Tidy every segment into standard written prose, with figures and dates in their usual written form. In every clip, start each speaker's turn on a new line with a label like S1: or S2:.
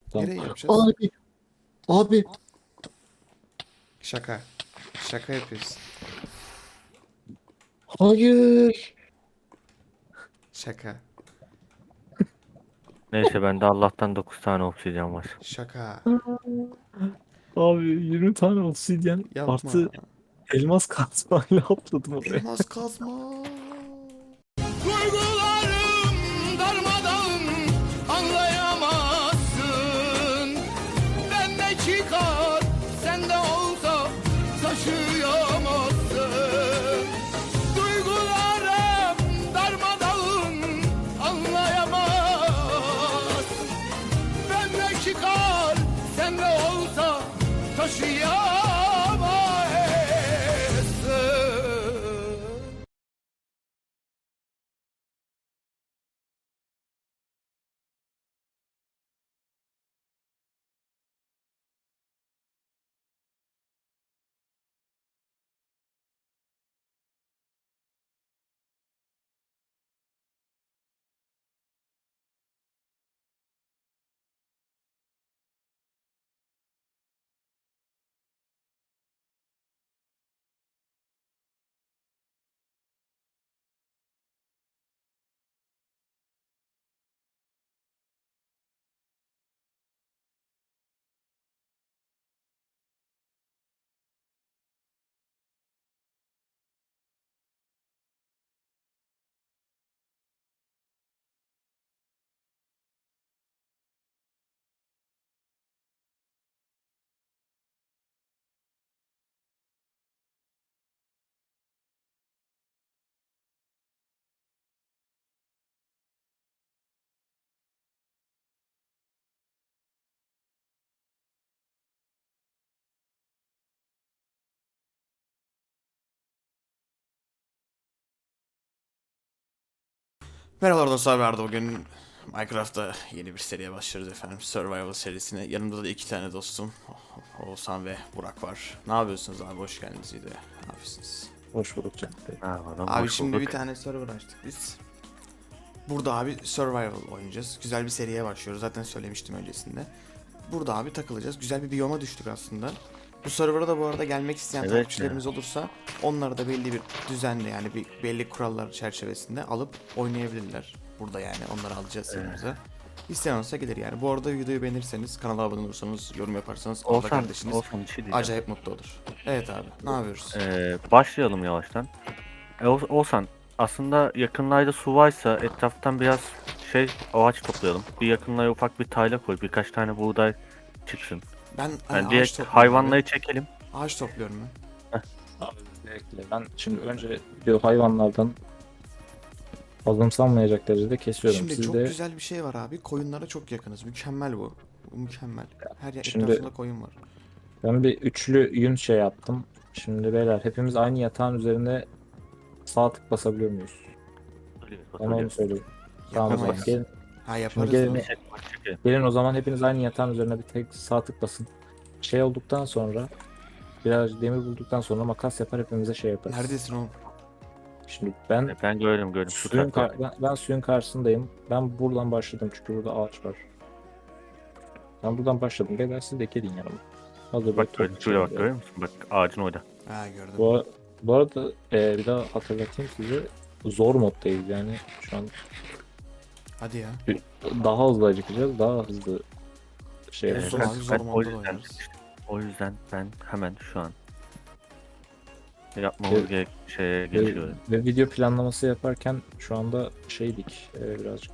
S1: Tamam.
S2: Nereye yapacağız?
S1: Abi. Abi.
S2: Şaka. Şaka yapıyorsun.
S1: Hayır.
S2: Şaka.
S3: Neyse bende Allah'tan 9 tane obsidyen var.
S2: Şaka.
S1: Abi 20 tane obsidyen
S2: Yapma.
S1: artı elmas kazmayla atladım oraya.
S2: Elmas kazma.
S4: Duygularım darmadağın anlayamazsın. Ben ne çıkar sende olsa taşıyamazsın. Duygularım darmadağın anlayamazsın. Ben ne çıkar sende olsa taşıyamazsın.
S2: Merhabalar dostlar, ben bugün Minecraft'ta yeni bir seriye başlıyoruz efendim. Survival serisine. Yanımda da iki tane dostum. Oğuzhan ve Burak var. Ne yapıyorsunuz abi? Hoş geldiniz iyi de. Ne yapıyorsunuz?
S1: Hoş bulduk canım.
S2: Abi
S3: Hoş
S2: şimdi
S3: bulduk.
S2: bir tane server açtık biz. Burada abi Survival oynayacağız. Güzel bir seriye başlıyoruz. Zaten söylemiştim öncesinde. Burada abi takılacağız. Güzel bir biyoma düştük aslında. Bu server'a da bu arada gelmek isteyen
S3: Evet
S2: takipçilerimiz olursa onları da belli bir düzenle, yani bir belli kurallar çerçevesinde alıp oynayabilirler. Burada yani onları alacağız yanımıza. İsteyen olsa gelir yani. Bu arada videoyu beğenirseniz, kanala abone olursanız, yorum yaparsanız orada
S3: Olsan,
S2: kardeşiniz
S3: Olsan bir şey diyeceğim.
S2: acayip mutlu olur. Evet abi, ne yapıyoruz?
S3: Başlayalım yavaştan. Olsan aslında yakınlarda su varsa etraftan biraz ağaç toplayalım. Bir yakınlara ufak bir tayla koy. Birkaç tane buğday çıksın.
S2: Ben
S3: Yani
S2: ağaç
S3: direkt
S2: topluyorum
S3: hayvanları
S2: abi.
S3: çekelim.
S2: Ağaç topluyorum ben.
S1: Abi bekle. Ben şimdi önce diyor hayvanlardan azımsanmayacak derecede kesiyorum.
S2: Şimdi
S1: Siz
S2: çok
S1: de
S2: güzel bir şey var abi. Koyunlara çok yakınız. Mükemmel bu. Bu mükemmel. Her yer
S1: şimdi
S2: etrafında koyun var.
S1: ben bir üçlü yün şey yaptım. Şimdi beyler hepimiz aynı yatağın üzerinde sağ tık basabiliyor muyuz? Bana onu söyleyin. Tamam o zaman
S2: Yapamayız.
S1: gelin.
S2: Ha
S1: Şimdi
S2: yaparız
S1: gelin,
S2: da.
S1: gelin o zaman hepiniz aynı yatağın üzerine bir tek sağ tık basın. Şey olduktan sonra biraz demir bulduktan sonra makas yapar hepimize şey yaparız.
S2: Neredesin oğlum?
S1: Şimdi ben
S3: Ben gördüm şu
S1: suyun
S3: tarafta.
S1: ben suyun karşısındayım. Ben buradan başladım çünkü burada ağaç var. Ben buradan başladım. Beyler siz de gelin yanıma. Hazır
S3: Bak
S1: böyle
S3: şuraya bak,
S1: toplayalım.
S3: görüyor musun? Bak ağacın orada.
S2: Ha gördüm.
S1: Bu arada bir daha hatırlatayım size. Zor moddayız yani şu an
S2: Hadi ya.
S1: daha hızlı acıkacağız. Daha hızlı şey
S2: Evet.
S1: yapacağız.
S2: Zor abi, zor
S3: o
S2: modda da
S3: yüzden,
S2: oynarız.
S3: o yüzden ben hemen şu an yapmamız
S1: Evet.
S3: gereken şeye
S1: Ve,
S3: geçiyorum.
S1: ve video planlaması yaparken şu anda şeydik birazcık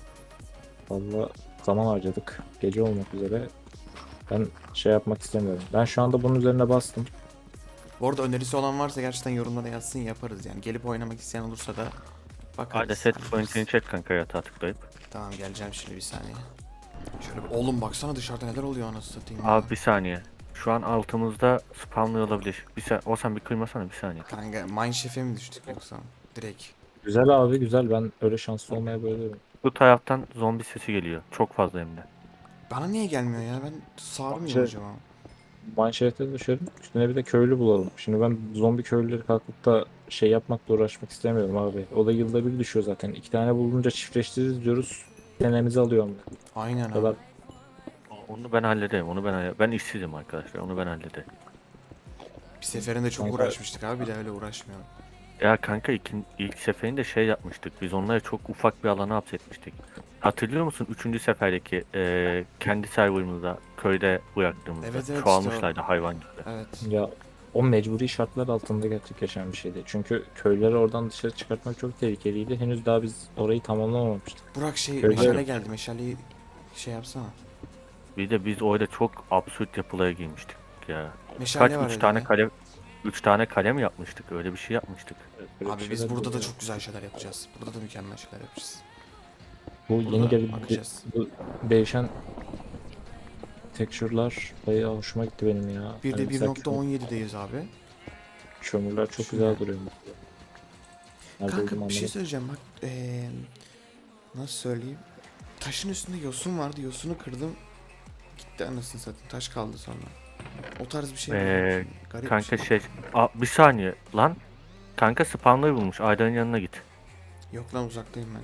S1: fazla zaman harcadık. Gece olmak üzere. Ben şey yapmak istemiyorum. Ben şu anda bunun üzerine bastım.
S2: Bu arada önerisi olan varsa gerçekten yorumlara yazsın, yaparız yani. Gelip oynamak isteyen olursa da bakarız.
S3: Hadi set
S2: hallederiz.
S3: point'ini çek kanka yatağa tıklayıp.
S2: Tamam geleceğim şimdi bir saniye. Şöyle bir... Oğlum baksana dışarıda neler oluyor anasını satayım ya.
S3: Abi bir saniye. Şu an altımızda spamlıyor olabilir. Olsan bir kıymasana bir saniye.
S2: Kanka Mineshaft'e mi düştük yoksa? Direkt.
S1: Güzel abi güzel. Ben öyle şanslı olmaya bayılıyorum.
S3: Bu taraftan zombi sesi geliyor. Çok fazla hem de.
S2: Bana niye gelmiyor ya? Ben sağır
S1: Şey-
S2: mıyım acaba?
S1: Manşete düşelim. Üstüne bir de köylü bulalım. Şimdi ben zombi köylüleri kalkıp da şey yapmakla uğraşmak istemiyorum abi. O da yılda bir düşüyor zaten. İki tane bulunca çiftleştiririz diyoruz. Senemizi alıyor onlar.
S2: Aynen
S1: O kadar
S2: abi.
S3: Onu ben hallederim. Ben işsizim arkadaşlar. Onu ben hallederim.
S2: Bir seferinde çok
S1: Kanka-
S2: uğraşmıştık abi, bir de öyle uğraşmayalım.
S3: Ya kanka ilk seferinde şey yapmıştık. Biz onları çok ufak bir alana hapsetmiştik. Hatırlıyor musun? Üçüncü seferdeki kendi serverımızda köyde bıraktığımızda
S2: Evet, evet,
S3: çoğalmışlardı hayvan gibi.
S2: Evet.
S1: Ya o mecburi şartlar altında gerçekleşen bir şeydi. Çünkü köyleri oradan dışarı çıkartmak çok tehlikeliydi. Henüz daha biz orayı tamamlamamıştık.
S2: Burak
S1: Öyle
S2: meşale
S1: mi?
S2: geldi. Meşaleyi şey yapsana.
S3: Bir de biz orada çok absürt yapılara girmiştik ya.
S2: Meşale var
S3: 3 tane
S2: elinde.
S3: kale 3 tane kale mi yapmıştık? Öyle bir şey yapmıştık.
S1: Böyle
S2: Abi
S1: bir
S2: biz
S1: şeyler
S2: burada da
S1: oluyor.
S2: çok güzel şeyler yapacağız. Burada da mükemmel şeyler yapacağız.
S1: Bu
S2: burada
S1: yeni gelen
S2: bakacağız.
S1: bu değişen texture'lar bayağı hoşuma gitti benim ya.
S2: Bir de
S1: Hani mesela
S2: 1.17'deyiz abi.
S1: kömürler çok
S2: Düşün
S1: güzel
S2: yani.
S1: duruyor. Nerede
S2: Kanka
S1: olduğumu
S2: bir şey
S1: anlamadım.
S2: söyleyeceğim bak. Nasıl söyleyeyim? Taşın üstünde yosun vardı. Yosunu kırdım. Gitti anasını satayım. Taş kaldı sonra. O tarz bir şey buldum. Garip
S3: Kanka
S2: bir şey.
S3: bir saniye lan. Kanka spawnları bulmuş. Aydan'ın yanına git.
S2: Yok lan, uzaktayım ben.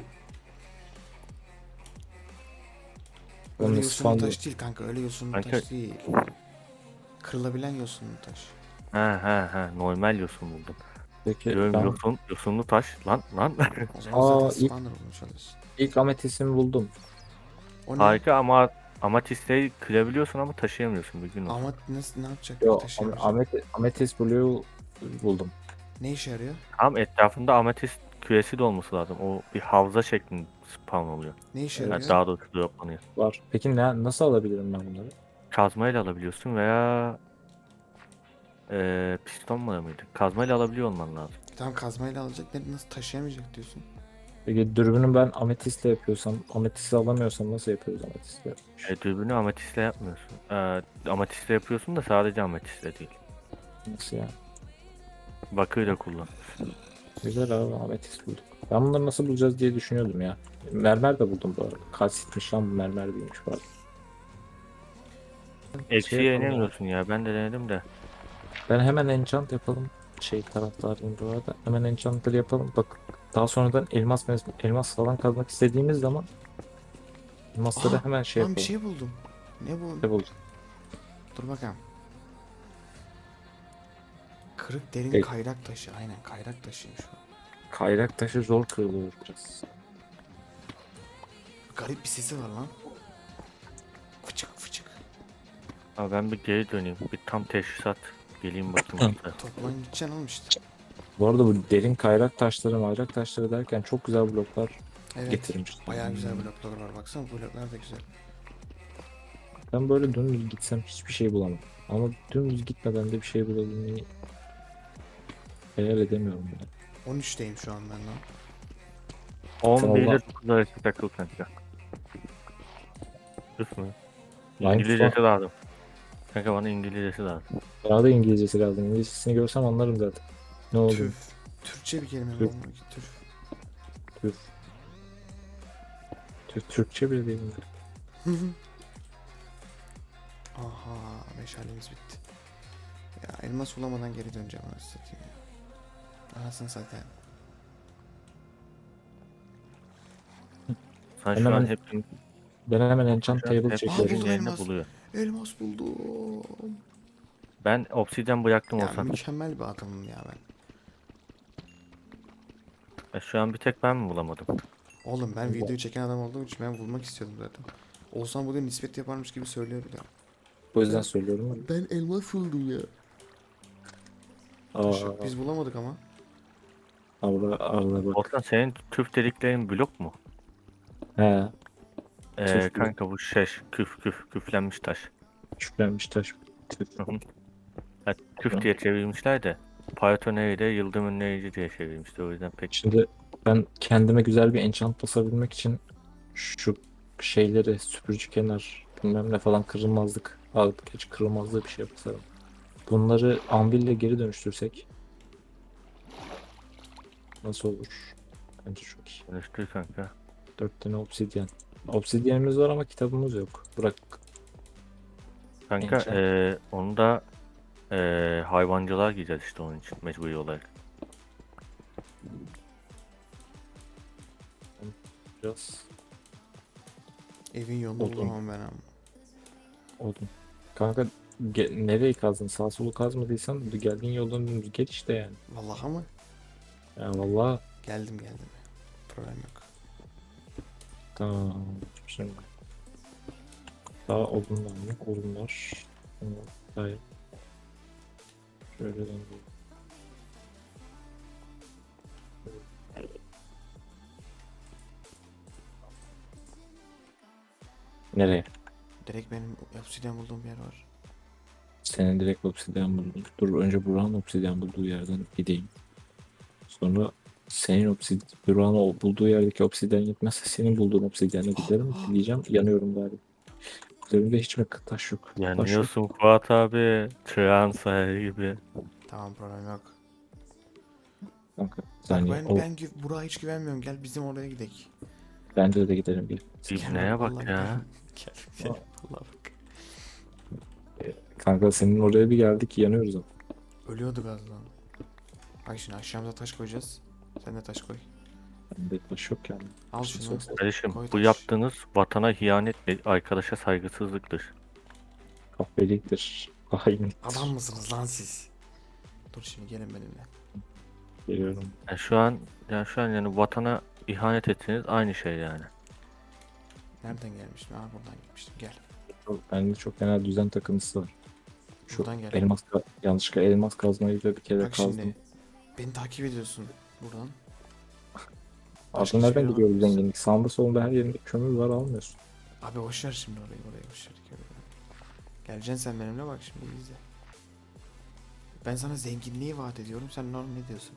S1: Oğlum
S2: Öyle
S1: ne
S2: yosunlu
S1: spawnlı?
S2: taş değil kanka. Öyle yosunlu
S3: Kanka-
S2: taş değil. Kırılabilen yosunlu taş.
S3: Ha normal yosun buldum.
S1: Peki
S3: Diyorum
S1: ben
S3: yosunlu taş lan.
S2: O zaman
S1: Aa,
S2: zaten
S1: ilk-
S2: spawner bulmuş olursun.
S1: ilk ametistimi buldum.
S2: O ne?
S3: Harika ama amatistleri kırabiliyorsun ama taşıyamıyorsun bir gün olsun.
S2: Ama nasıl, ne yapacak?
S1: Yo,
S2: Taşıyamayacak.
S1: ametist blue buldum.
S2: Ne işe yarıyor?
S3: Tam etrafında amatist küresi de olması lazım. O bir havza şeklinde spawn oluyor.
S2: Ne işe
S3: Yani
S2: yarıyor?
S3: daha doğrusu droplanıyor.
S1: Var. Peki nasıl alabilirim ben bunları?
S3: Kazmayla alabiliyorsun veya pistonla mıydı? Kazmayla alabiliyor olman lazım.
S2: Tam kazmayla alacak. Nasıl taşıyamayacak diyorsun?
S1: Peki dürbünü ben ametistle yapıyorsam, ametistle alamıyorsam nasıl yapıyoruz ametistle?
S3: Dürbünü amatistle yapmıyorsun. Amatistle yapıyorsun da sadece amatistle değil.
S1: Nasıl ya?
S3: Bakıyla kullan.
S1: Güzel abi, ametist bulduk. Ben bunları nasıl bulacağız diye düşünüyordum ya. Mermer de buldum bu arada. Kalsitmiş lan, bu mermer değilmiş bu arada.
S3: Eksiye
S1: yapalım ya.
S3: inemiyorsun ya. Ben de denedim de.
S1: Ben hemen enchant yapalım. Şey taraftarıyım bu arada. Hemen enchantları yapalım. Bak daha sonradan elmas falan kazmak istediğimiz zaman elmasları
S2: Aa,
S1: hemen şey
S2: lan bir
S1: yapalım.
S2: şey buldum. Ne bu?
S1: Ne bulduk?
S2: Dur bakalım. Kırık derin
S1: Ey.
S2: kayrak taşı. Aynen, kayrak taşıymış bu.
S1: Kayrak taşı zor kırılıyor biraz.
S2: Garip bir sesi var lan. Fıçık fıçık.
S3: Ama ben bir geri döneyim. Bir tam teşhisat geleyim bakayım. hatta.
S2: Toplan gideceksin oğlum işte.
S1: Bu arada bu derin kayrak taşları derken çok güzel bloklar
S2: Evet.
S1: getirmiş.
S2: Bayağı güzel bloklar var. Baksana, bu bloklar da güzel.
S1: Ben böyle dümdüz gitsem hiçbir şey bulamam. Ama dümdüz gitmeden de bir şey bulabilmeyi hayal edemiyorum ya.
S2: 13'teyim şu an ben lan.
S3: 11 ile
S1: Allah.
S3: 9 arası takıl kanka. Üf mü?
S1: Line
S3: İngilizcesi lazım. Kanka bana İngilizcesi lazım.
S1: Bana da İngilizcesi lazım. İngilizcesini görsem anlarım zaten. Ne oldu?
S2: Tüf. Türkçe bir kelime mi?
S1: Tüf.
S2: Olmuyor ki, tüf.
S1: Türk. Türkçe bile değil mi?
S2: Aha, meşalemiz bitti. Ya elmas bulamadan geri döneceğim, anasını satayım ya. Anasını satayım.
S3: Sen
S1: Ben
S3: şu an
S1: hemen-
S3: hep
S1: Ben hemen enchant table
S2: buldum
S1: çekiyorum.
S3: yerini
S2: elmas.
S3: buluyor.
S2: Elmas buldum.
S3: Ben obsidyen bıraktım
S2: Ya
S3: olsam.
S2: mükemmel bir adamım ya ben.
S3: Şu an bir tek ben mi bulamadım?
S2: Oğlum ben videoyu çeken adam olduğum için ben bulmak istiyordum zaten. Olsan bugün nispet yaparmış gibi söylüyor bir de.
S1: O yüzden söylüyorum.
S2: Ben elmas buldum ya.
S1: Aa,
S2: Biz bulamadık ama.
S1: Arda bak.
S3: Olsan senin tüf deliklerin blok mu?
S1: He. Tüf
S3: Kanka bu küflenmiş taş.
S1: Küflenmiş taş. Tüf.
S3: Hı hı. Ha, küf diye çevirmişler de Python'u de yıldırım önleyici diye çevirmişti, o yüzden pek.
S1: Şimdi ben kendime güzel bir enchant basabilmek için şu şeyleri süpürücü kenar bilmem ne falan kırılmazlık alıp geç kırılmazlığı bir şey basarım. Bunları anville geri dönüştürsek nasıl olur? Bence çok iyi.
S3: Dönüştür kanka.
S1: 4 tane obsidyen. Obsidyenimiz var ama kitabımız yok. Bırak.
S3: Kanka
S1: Enchant.
S3: onu da hayvancılar giyeceğiz işte onun için mecburi olarak.
S1: Biraz
S2: Evin yolunu
S1: Buldum.
S2: bulamam ben ama.
S1: Oldum. Kanka nereyi kazdın? Sağ solu kazmadıysan geldiğin yoldan dümdüz gel işte yani.
S2: Vallahi mı?
S1: Ya vallahi
S2: Geldim. Problem yok.
S1: tamam. Şimdi daha odun var mı? Odun var. Hayır. Şöyle döndüm. Nereye?
S2: Direkt benim obsidyen bulduğum bir yer var.
S1: Senin direkt obsidyen buldum. Dur önce Burak'ın obsidyen bulduğu yerden gideyim. Sonra senin Burak'ın bulduğu yerdeki obsidyen yetmezse senin bulduğun obsidyene giderim. Diyeceğim yanıyorum galiba. Üzerimde hiç mi taş yok? Taş yok.
S3: Yanıyorsun Fuat abi. Çırağın sayı gibi.
S2: Tamam, problem yok.
S1: Kanka
S2: Bak
S1: saniye.
S2: Burak'a hiç güvenmiyorum. Gel bizim oraya gidelim.
S1: Bence de gidelim bir.
S3: İbneye bak
S2: Vallahi
S3: ya.
S2: Gel. Vallahi bak.
S1: Kanka senin oraya bir geldik yanıyoruz ama.
S2: Ölüyorduk az daha. Bak şimdi aşağımıza taş koyacağız. Sen de taş koy.
S1: Bende taş yok yani.
S2: Al şunu.
S3: Kardeşim
S2: Koy
S3: bu
S2: taş.
S3: yaptığınız vatana ihanet ve arkadaşa saygısızlıktır.
S1: Kahpeliktir. Hainlik.
S2: Adam mısınız lan siz? Dur şimdi gelin benimle.
S1: Geliyorum.
S3: Yani şu an yani vatana ihanet etseniz aynı şey yani.
S2: Nereden gelmiştim? Aa, buradan gelmiştim. Gel.
S1: Bende çok genel düzen takıntısı var. Şu
S2: Buradan gel.
S1: yanlışlıkla elmas kazmayı da bir kere
S2: Bak
S1: kazdım.
S2: şimdi. Beni takip ediyorsun. Buradan.
S1: Aslında
S2: hiçbir
S1: nereden
S2: yere
S1: gidiyor bu
S2: bakmıyorsun.
S1: zenginlik? Sağında solunda her yerinde kömür var almıyorsun.
S2: Abi boşver şimdi orayı boşver. Geleceksin sen benimle, bak şimdi iyi izle. Ben sana zenginliği vaat ediyorum. Sen ne diyorsun?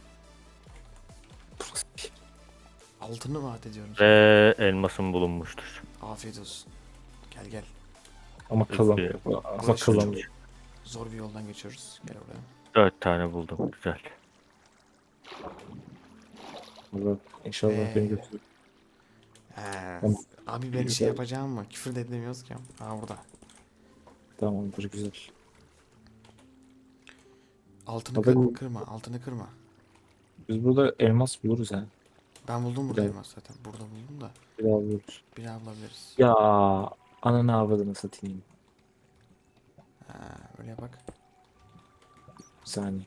S2: Altını vaat ediyorum sana.
S3: Ve elmasın bulunmuştur.
S2: Afiyet olsun. Gel.
S1: Ama
S3: Peki.
S1: kazanmıyor. Ama
S2: Burası
S1: kazanmıyor.
S2: Zor bir yoldan geçiyoruz. Gel oraya.
S3: 4 tane buldum. Güzel.
S1: Allah inşallah beni götürür.
S2: He.
S1: Tamam.
S2: Abi ben
S1: Güzel.
S2: yapacağım mı? Küfür de edemiyoruz ki. Ha burada.
S1: Tamamdır güzel.
S2: Altını
S1: Abi
S2: altını kırma.
S1: biz burada elmas buluruz ha.
S2: Ben buldum burada
S1: Güzel.
S2: elmas zaten. Burada buldum da.
S1: Bir daha buluruz.
S2: Bir daha bulabiliriz.
S1: Ya ananı avradını satayım.
S2: Ha, öyle bak.
S1: Bir saniye.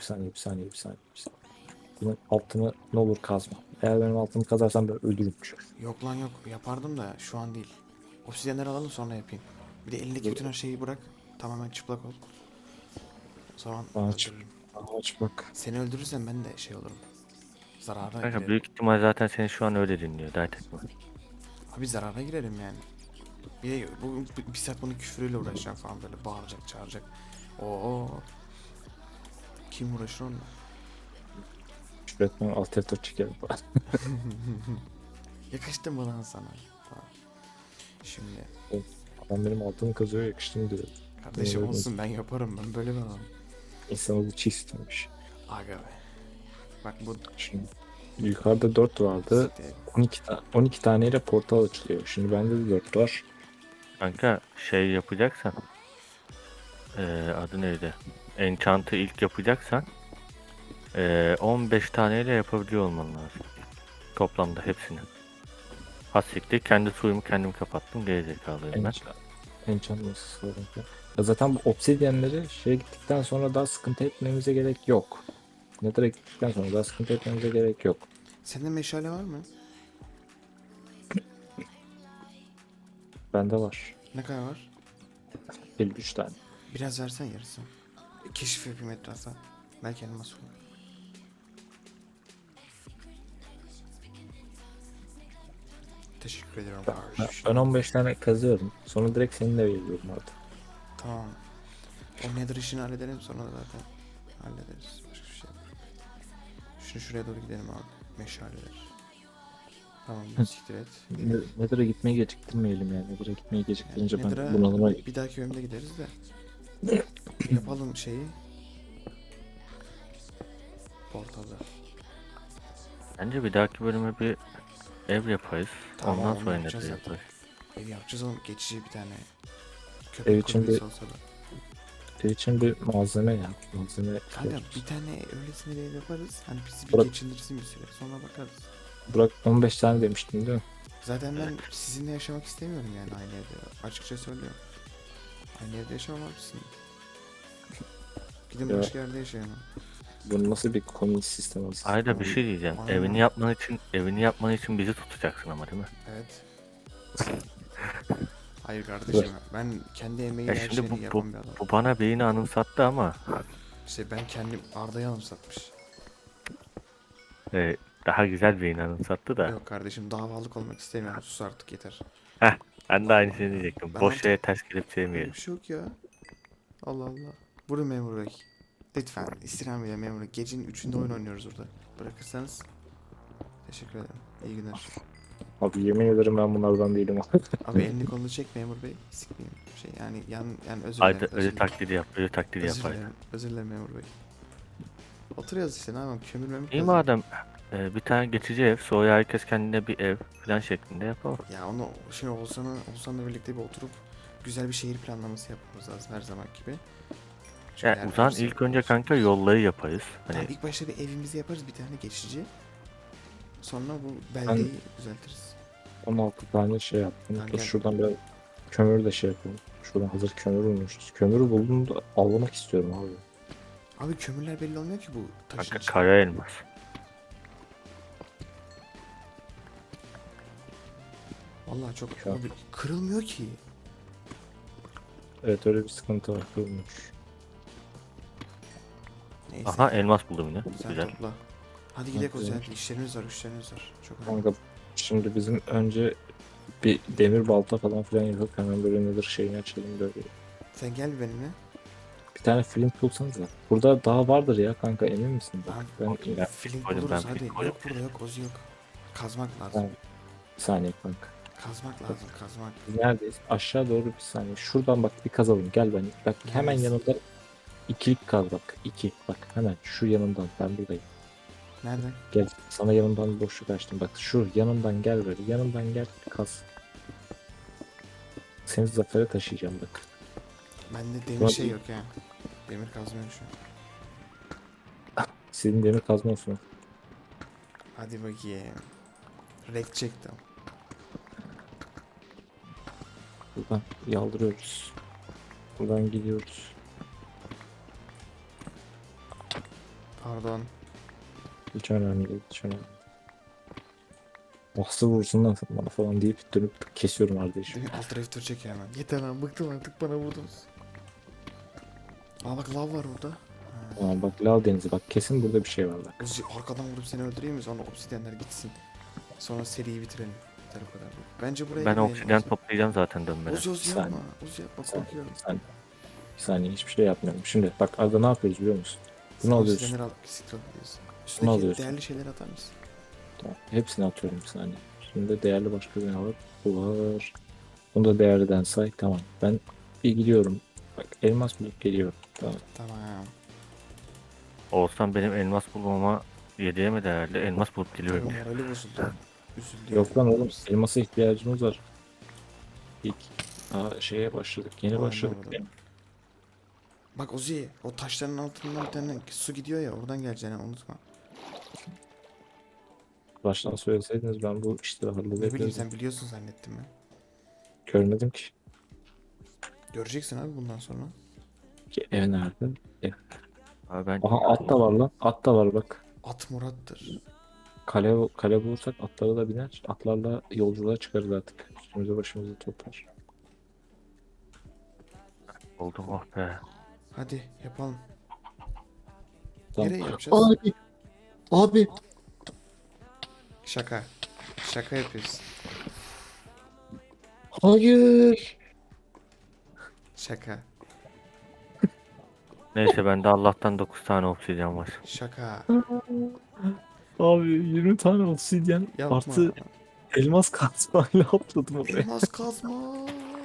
S1: Bunun altını ne olur kazma. Eğer benim altımı kazarsan ben öldürürüm.
S2: Yok lan yok. Yapardım da şu an değil. Obsidyenleri alalım sonra yapayım. Bir de elindeki bütün her şeyi bırak. Tamamen çıplak ol. O zaman
S1: Aç.
S2: öldürürüm.
S1: Aç bak.
S2: Seni öldürürsem ben de şey olurum. Zarara
S3: Kanka
S2: girerim.
S3: büyük ihtimal zaten seni şu an öyle dinliyor. Dert etme.
S2: Abi zarara girerim yani. Bir de bir saat bunun küfürüyle uğraşacağım falan, böyle bağıracak çağıracak. Oo. Kim uğraşır onunla?
S1: Şüphetmen alt F4 çekerim falan.
S2: Yakıştı mı lan sana? Falan. Şimdi
S1: Adam benim altımı kazıyor yakıştım diyor.
S2: kardeşim
S1: Öyle
S2: olsun, ben yaparım, ben böyle bir adamım.
S1: İnsan bu çiğ istemiş.
S2: Aga be. Bak bu
S1: Şimdi yukarıda 4 vardı. 12 taneyle portal açılıyor. Şimdi bende de 4 var.
S3: Kanka şey yapacaksan adı neydi? Enchant'ı ilk yapacaksan 15 taneyle yapabiliyor olman lazım. Toplamda hepsini. Hassiktir kendi suyumu kendim kapattım. Gerizekalıyım ben.
S1: Enchant nasıl sorun ki? Ya zaten bu obsidyenleri şeye gittikten sonra daha sıkıntı etmemize gerek yok. Nether'a gittikten sonra daha sıkıntı etmemize gerek yok.
S2: sende meşale var mı?
S1: Bende var.
S2: Ne kadar var?
S1: 53 tane.
S2: Biraz versen yarısı. Keşif yapayım etrafa. Belki elmas olur. Teşekkür ediyorum kardeşim.
S1: Ben 15 tane kazıyorum. Sonra direkt seninle veriyorum artık.
S2: Tamam. O nether işini halledelim, sonra da zaten hallederiz. Başka bir şey yok. Şunu şuraya doğru gidelim abi. Meşaleler. Tamam, siktir et.
S1: Nether'a gitmeyi geciktirmeyelim yani. Nether'a gitmeyi geciktirince ben
S2: Nether'a
S1: bunalıma
S2: bir dahaki bölümde gideriz de. Yapalım şeyi. Portalı.
S3: Bence bir dahaki bölüme bir ev yaparız.
S2: Tamam,
S3: Ondan
S2: onu
S3: sonra
S2: yapacağız
S3: ne
S2: zaten.
S3: yaparız.
S2: Ev yapacağız oğlum, geçici bir tane.
S1: Ev
S2: Köpek
S1: için
S2: kulübesi
S1: bir-
S2: olsa da.
S1: şey için bir malzeme ya. Malzeme
S2: Kanka
S1: ihtiyacımız.
S2: bir tane öylesine bir ev yaparız. Hani bizi bir
S1: Bırak.
S2: geçindirsin bir süre. Sonra bakarız.
S1: Burak 15 tane demiştin değil mi?
S2: Zaten ben sizinle yaşamak istemiyorum yani aynı evde. Açıkça söylüyorum. Aynı evde yaşamam abisin. Gidin
S1: Ya.
S2: başka yerde yaşayın.
S1: Bu nasıl bir komünist sistem aslında?
S3: Ayda bir şey diyeceğim.
S2: Aynen.
S3: Evini yapman için bizi tutacaksın ama değil mi?
S2: Evet. Hayır kardeşim, ben kendi emeğiyle
S3: Ya
S2: her
S3: şimdi
S2: şeyini yapan bir adam.
S3: bu bana beyni anımsattı ama
S2: İşte ben kendim Arda'yı anımsatmış.
S3: daha güzel beyni anımsattı da.
S2: Yok kardeşim, davalık olmak istemiyorum. Sus artık, yeter.
S3: Heh, ben de aynısını diyecektim.
S2: Ben
S3: Boş
S2: artık-
S3: şeye ters gelip
S2: Böyle
S3: sevmeyelim.
S2: bir şey yok ya. Allah Allah. Buyurun memur bey. Lütfen istirham ile memur bey. Gecenin 3'ünde oyun oynuyoruz burada. Bırakırsanız teşekkür ederim. İyi günler.
S1: Abi yemin ederim ben bunlardan değilim.
S2: Abi elini kolunu çek memur bey. Sikmeyeyim. Şey yani özür
S3: Ayda
S2: dilerim.
S3: öyle taklidi yap. Öyle taklidi yap
S2: Özür
S3: Ayda.
S2: dilerim. Özür dilerim memur bey. Oturuyoruz işte, ne yapalım, kömür memur.
S3: İyi madem bir tane geçici ev, sonra herkes kendine bir ev falan şeklinde yapalım.
S2: Ya onu şimdi Oğuzhan'la birlikte bir oturup güzel bir şehir planlaması yapmamız lazım her zaman gibi. Çünkü
S3: Ya
S2: eğer
S3: o zaman
S2: hepsi-
S3: ilk önce kanka yolları yaparız. Hani
S2: Tamam, ilk başta bir evimizi yaparız, bir tane geçici. Sonra bu beldeyi düzeltiriz.
S1: 16 tane şey yaptım.
S2: Kanka.
S1: Dur şuradan biraz kömür de şey yapalım. Şuradan hazır kömür bulmuşuz. Kömürü buldum da avlamak istiyorum abi.
S2: Abi kömürler belli olmuyor ki bu taşın
S3: kanka
S2: içinde.
S3: kara elmas.
S2: Vallahi çok
S1: Şu an-
S2: abi, kırılmıyor ki.
S1: Evet öyle bir sıkıntı var. Kırılmış.
S2: Neyse.
S3: Aha elmas buldum yine.
S2: Sen
S3: Güzel.
S2: topla. Hadi gidelim o
S1: güzel.
S2: zaman. İşlerimiz var, işlerimiz var. Çok önemli.
S1: Kanka şimdi bizim önce bir demir balta falan filan yapıp hemen böyle nedir şeyini açalım böyle.
S2: Sen gel bir benimle.
S1: Bir tane flint bulsanız da. Burada daha vardır ya kanka, emin misin? Bak,
S2: Abi,
S1: ben ya,
S2: Flint
S3: koydum,
S2: buluruz
S3: ben
S2: hadi.
S3: flint
S2: Yok
S3: koydum.
S2: burada, yok ozu yok. Kazmak lazım.
S1: Tamam. bir saniye kanka.
S2: Kazmak lazım, kazmak.
S1: Biz neredeyiz? Aşağı doğru bir saniye. Şuradan bak bir kazalım. Gel ben. Bak hemen
S2: Neredesin?
S1: yanında ikilik kaz bak. İki. Bak hemen şu yanından ben buradayım.
S2: Nereden?
S1: Gel sana yanımdan bir boşluk açtım. Bak şu yanımdan gel böyle. Yanımdan gel kaz. Seni zafere taşıyacağım bak.
S2: Bende demir
S1: Ulan
S2: şey
S1: iyi.
S2: yok ya. Demir kazmıyorum şu an.
S1: Sizin demir kazma olsun.
S2: Hadi bakayım. Rek çektim.
S1: Buradan yaldırıyoruz. Buradan gidiyoruz.
S2: Pardon.
S1: Hiç önemli değil. Hiç önemli. Nasıl vursun lan bana falan deyip dönüp kesiyorum kardeşim.
S2: Alt F4 çek hemen. Yeter lan, bıktım artık, bana vurdunuz. Aa bak, lav var burada. Ha.
S1: Aa, bak lav denizi bak kesin burada bir şey var bak.
S2: Uzi, arkadan vurup seni öldüreyim mi? Sonra obsidyenler gitsin. Sonra seriyi bitirelim. Yeter o kadar. Bence buraya
S3: Ben
S2: girmeyelim
S3: obsidyen
S2: Uzi.
S3: toplayacağım zaten dönmeden.
S2: Uzi
S1: Bir
S2: yapma.
S1: saniye.
S2: Uzi yapma,
S1: Bir saniye.
S2: korkuyorum.
S1: Bir saniye hiçbir şey yapmıyorum. Şimdi bak Arda ne yapıyoruz biliyor musun?
S2: Sen
S1: Bunu alıyorsun.
S2: obsidyenleri al, siktir alıyorsun. Üstündeki
S1: alıyorsun.
S2: değerli şeyler atar mısın?
S1: Tamam. Hepsini atıyorum bir saniye. Şimdi değerli başka bir ne var? Bu var. Bunu da değerliden say. Tamam. Ben bir gidiyorum. Bak elmas bulup geliyorum. Tamam.
S2: Tamam.
S3: Olsan benim elmas bulmama 7'ye mi değerli? Elmas bulup
S2: Abi
S3: geliyorum.
S2: morali bozuldu. Üzüldü.
S1: Yok lan
S2: yani.
S1: oğlum. Elmasa ihtiyacımız var. İlk şeye başladık. Yeni
S2: Vay
S1: başladık.
S2: anlamadım. Bak Uzi, o taşların altından bir tane su gidiyor ya, oradan geleceğini unutma.
S1: Baştan söyleseydiniz ben bu işleri
S2: Ne bileyim,
S1: halledebilirdim.
S2: sen biliyorsun zannettim ben.
S1: Görmedim ki.
S2: Göreceksin abi bundan sonra.
S1: Ki ev nerede? Ev.
S3: Abi ben
S1: Aha at da var lan. At da var bak.
S2: At Murat'tır.
S1: Kale bulursak atlara da biner. Atlarla yolculuğa çıkarız artık. Üstümüze başımızı toplar.
S3: buldum oh be.
S2: Hadi yapalım.
S1: Tamam.
S2: Nereye yapacağız?
S1: Abi. Abi.
S2: Şaka. Şaka yapıyorsun.
S1: Hayır.
S2: Şaka.
S3: Neyse bende Allah'tan 9 tane obsidyen var.
S2: Şaka.
S1: Abi 20 tane obsidyen
S2: Yapma.
S1: artı elmas kazmayla atladım oraya.
S2: Elmas kazma.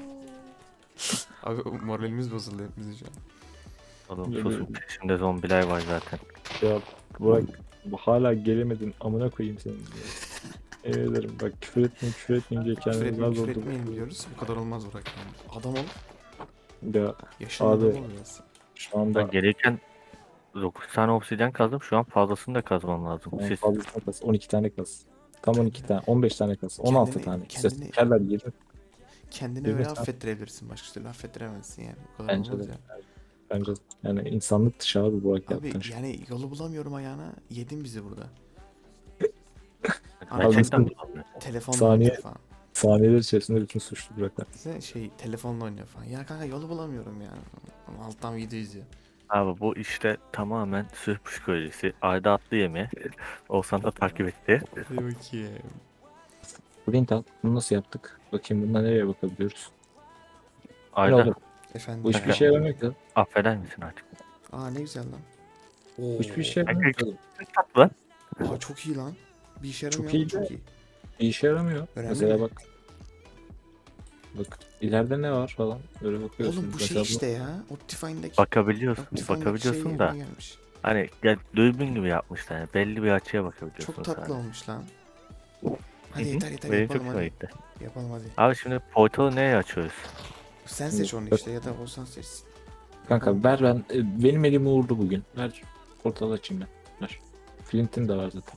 S2: Abi moralimiz bozuldu hepimizin şu an.
S3: Oğlum
S1: Yemin
S3: susun peşimde zombiler var zaten.
S1: Ya bırak. Hala gelemedin. Amına koyayım seni. Emin ederim. Bak küfür etmeyin diye
S2: Küfür
S1: kendinizi
S2: etmeyin,
S1: zor
S2: küfür
S1: durumda.
S2: etmeyin diyoruz. Bu kadar olmaz Burak yani. Adam ol.
S1: Ya
S2: Yaşın
S1: Abi.
S2: adam ol biraz.
S1: şu anda
S3: Ben gelirken 9 tane obsidyen kazdım. Şu an fazlasını da kazmam lazım. Siz
S1: fazlasına kas. 12 tane kas. Tam 12 tane. 15 tane kas. 16
S2: Kendini-
S1: tane.
S2: kendini-
S1: Kerler 20.
S2: kendini
S1: Bir
S2: öyle
S1: mesela-
S2: affettirebilirsin. Başka türlü affettiremezsin yani. Bu kadar
S1: Bence
S2: olmaz
S1: de.
S2: ya.
S1: Bence de. Yani insanlık dışı abi Burak
S2: Abi
S1: yaptığın şey.
S2: yani yolu bulamıyorum ayağına. Yedin bizi burada.
S3: Gerçekten
S1: Abi,
S3: bulamıyorum.
S2: Telefonla
S1: Saniye-
S2: oynuyor falan.
S1: Saniyeler içerisinde bütün suçlu Buraklar.
S2: Bize telefonla oynuyor falan. Ya kanka yolu bulamıyorum ya. Ama alttan video izliyor.
S3: Abi bu işte tamamen sırf psikolojisi. Ayda atlı yeme. Oğuzhan da takip etti.
S2: Hadi bakayım.
S1: Flint al. Bunu nasıl yaptık? Bakayım bundan nereye bakabiliyoruz? Ne
S3: Ayda
S1: oğlum?
S2: Efendim.
S1: Bu hiçbir şey yaramıyor ki.
S3: affeder misin artık?
S2: Aa ne güzel lan.
S1: Bu
S2: Oo.
S1: hiçbir şey yaramıyor ki. oğlum.
S3: Tatlı.
S2: Aa çok iyi lan. Bir işe yaramıyor
S1: Çok
S2: ama
S1: iyi
S2: çok
S1: de-
S2: iyi.
S1: Bir işe yaramıyor.
S2: Önemli
S1: Mesela
S2: mi?
S1: bak. Bak ileride ne var falan. Öyle bakıyorsun.
S2: Oğlum bu
S1: Mesela
S2: şey işte ya. Optifine'daki
S3: Bakabiliyorsun.
S2: Optifine'daki
S3: Bakabiliyorsun
S2: şey
S3: da.
S2: yerine gelmiş.
S3: Hani gel dürbün gibi yapmışlar. Yani belli bir açıya bakabiliyorsun.
S2: Çok tatlı
S3: sadece.
S2: olmuş lan.
S3: Hı
S2: Hadi
S3: hı.
S2: yeter yeter
S3: Benim
S2: yapalım
S3: çok
S2: hadi.
S3: hoşuma gitti.
S2: Yapalım hadi.
S3: Abi şimdi portalı neye açıyoruz?
S2: Sen seç onu işte ya da o sen seçsin.
S1: kanka ver benim elim uğurlu bugün. Ver portal açayım ben. Ver. Flint'in de var zaten.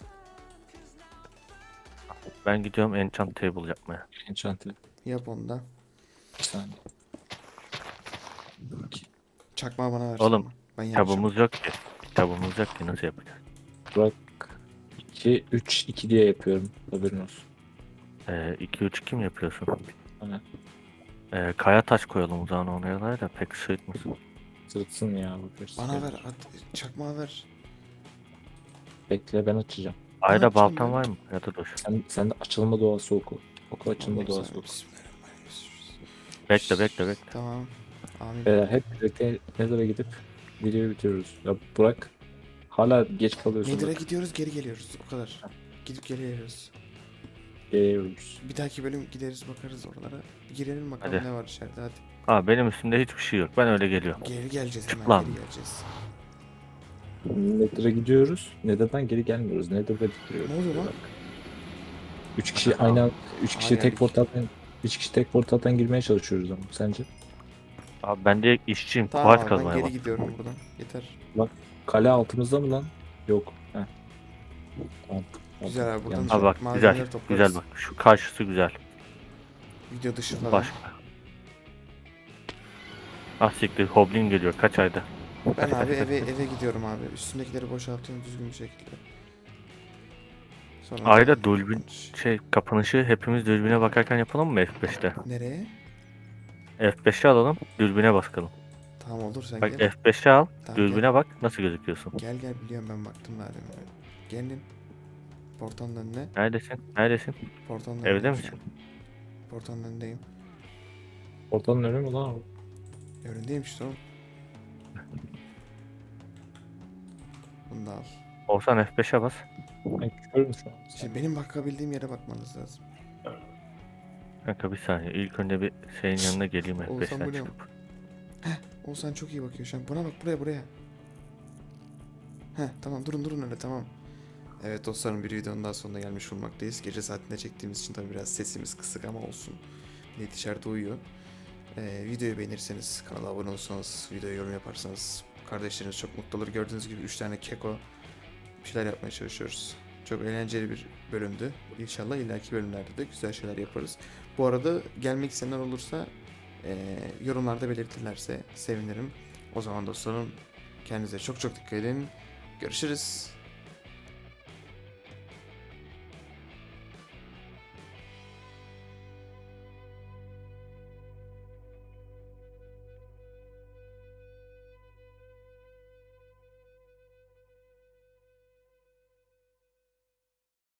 S3: Ben gidiyorum enchant table yapmaya.
S1: Enchant'ı.
S2: Yap onu da.
S1: Bir saniye.
S2: Çakmağı bana ver.
S3: Oğlum,
S2: sonra. Ben yapacağım.
S3: Kitabımız yok ki. Kitabımız yok ki nasıl yapacağız?
S1: Burak 2 3 2 diye yapıyorum. Haberin olsun.
S3: 2-3-2 mi yapıyorsun?
S1: Aynen.
S3: Kaya taş koyalım o zaman oraya da pek sırıtmasın.
S1: Sırıtsın ya. Bakarız.
S2: Bana ver. Çakmağı ver.
S1: Bekle ben açacağım.
S3: Ayda
S2: yapacağım
S3: baltan
S2: ben?
S3: var mı? Ya da dur.
S1: Sen de açılma doğası oku. Oku açılma
S2: Allah'ım
S1: doğası
S2: sana-
S1: oku.
S2: Bismillahirrahmanirrahim.
S3: Bekle.
S2: Tamam. Amin.
S1: Hep birlikte Nether'a gidip videoyu bitiriyoruz. Ya Burak hala geç kalıyorsun.
S2: Nether'a
S1: bak.
S2: gidiyoruz geri geliyoruz. O kadar. Gidip geri geliyoruz.
S1: Geliyoruz.
S2: Bir dahaki bölüm gideriz bakarız oralara. Bir girelim bakalım
S3: Hadi.
S2: ne var içeride hadi.
S3: Aa benim üstümde hiçbir şey yok. Ben öyle geliyorum.
S2: Geri geleceğiz hemen
S3: Çık lan.
S2: geri geleceğiz.
S1: Nether'a gidiyoruz. Nether'dan geri gelmiyoruz. Nether'da bitiriyoruz.
S2: Ne oluyor lan?
S1: 3 kişi aynı anda 3 kişi
S2: Aa,
S1: tek
S2: geldik.
S1: portaldan 3 kişi tek portaldan girmeye çalışıyoruz ama sence?
S3: Abi ben de işçiyim.
S2: Tamam
S3: Kuvaç
S2: abi, ben
S3: kazmaya
S2: geri
S3: bak.
S2: gidiyorum buradan. Yeter.
S1: Kale altımızda mı lan? Yok. Heh. Tamam.
S2: Güzel abi, buradan
S1: Yanlış.
S3: Ha bak
S2: malzemeleri
S3: güzel.
S2: toplarız.
S3: Güzel bak. Şu karşısı güzel.
S2: Video dışı falan.
S3: Başka. Ah siktir. Hoblin geliyor. Kaç ayda?
S2: Ben abi eve gidiyorum abi. Üstümdekileri boşaltıyorum düzgün bir şekilde. Sonra
S3: Ayda dürbün kapanışı hepimiz dürbüne bakarken yapalım mı F5'te?
S2: Nereye?
S3: F5'e alalım. Dürbüne bakalım.
S2: Tamam olur sen
S3: Bak
S2: gel.
S3: F5'e al.
S2: Tamam,
S3: Dürbüne bak. Nasıl gözüküyorsun?
S2: Gel biliyorum ben baktım daha demin. Gelin. Portanın önüne.
S3: Neredesin? Neredesin?
S2: Portanın
S3: Evde
S2: önündeyim
S3: misin?
S2: şu an. Portanın önündeyim.
S1: Portalın önü mü lan o?
S2: Önündeyim işte oğlum. Bunu da al.
S3: Olsan F5'e bas.
S1: Ben körüm şu an.
S2: Şimdi benim bakabildiğim yere bakmanız lazım.
S3: Kanka bir saniye. İlk önce bir şeyin yanına geleyim
S2: Oğuzhan,
S3: F5'ten
S2: bu ne?
S3: çıkıp.
S2: Oğuzhan çok iyi bakıyor şu an. Buna bak buraya. Heh tamam durun öyle tamam. Evet dostlarım, bir videonun daha sonuna gelmiş bulunmaktayız. Gece saatinde çektiğimiz için tabii biraz sesimiz kısık ama olsun. Millet dışarıda uyuyor. Videoyu beğenirseniz, kanala abone olursanız, videoya yorum yaparsanız kardeşleriniz çok mutlu olur. Gördüğünüz gibi 3 tane keko bir şeyler yapmaya çalışıyoruz. Çok eğlenceli bir bölümdü. İnşallah ileriki bölümlerde de güzel şeyler yaparız. Bu arada gelmek isteyenler olursa yorumlarda belirtirlerse sevinirim. O zaman dostlarım kendinize çok dikkat edin. Görüşürüz.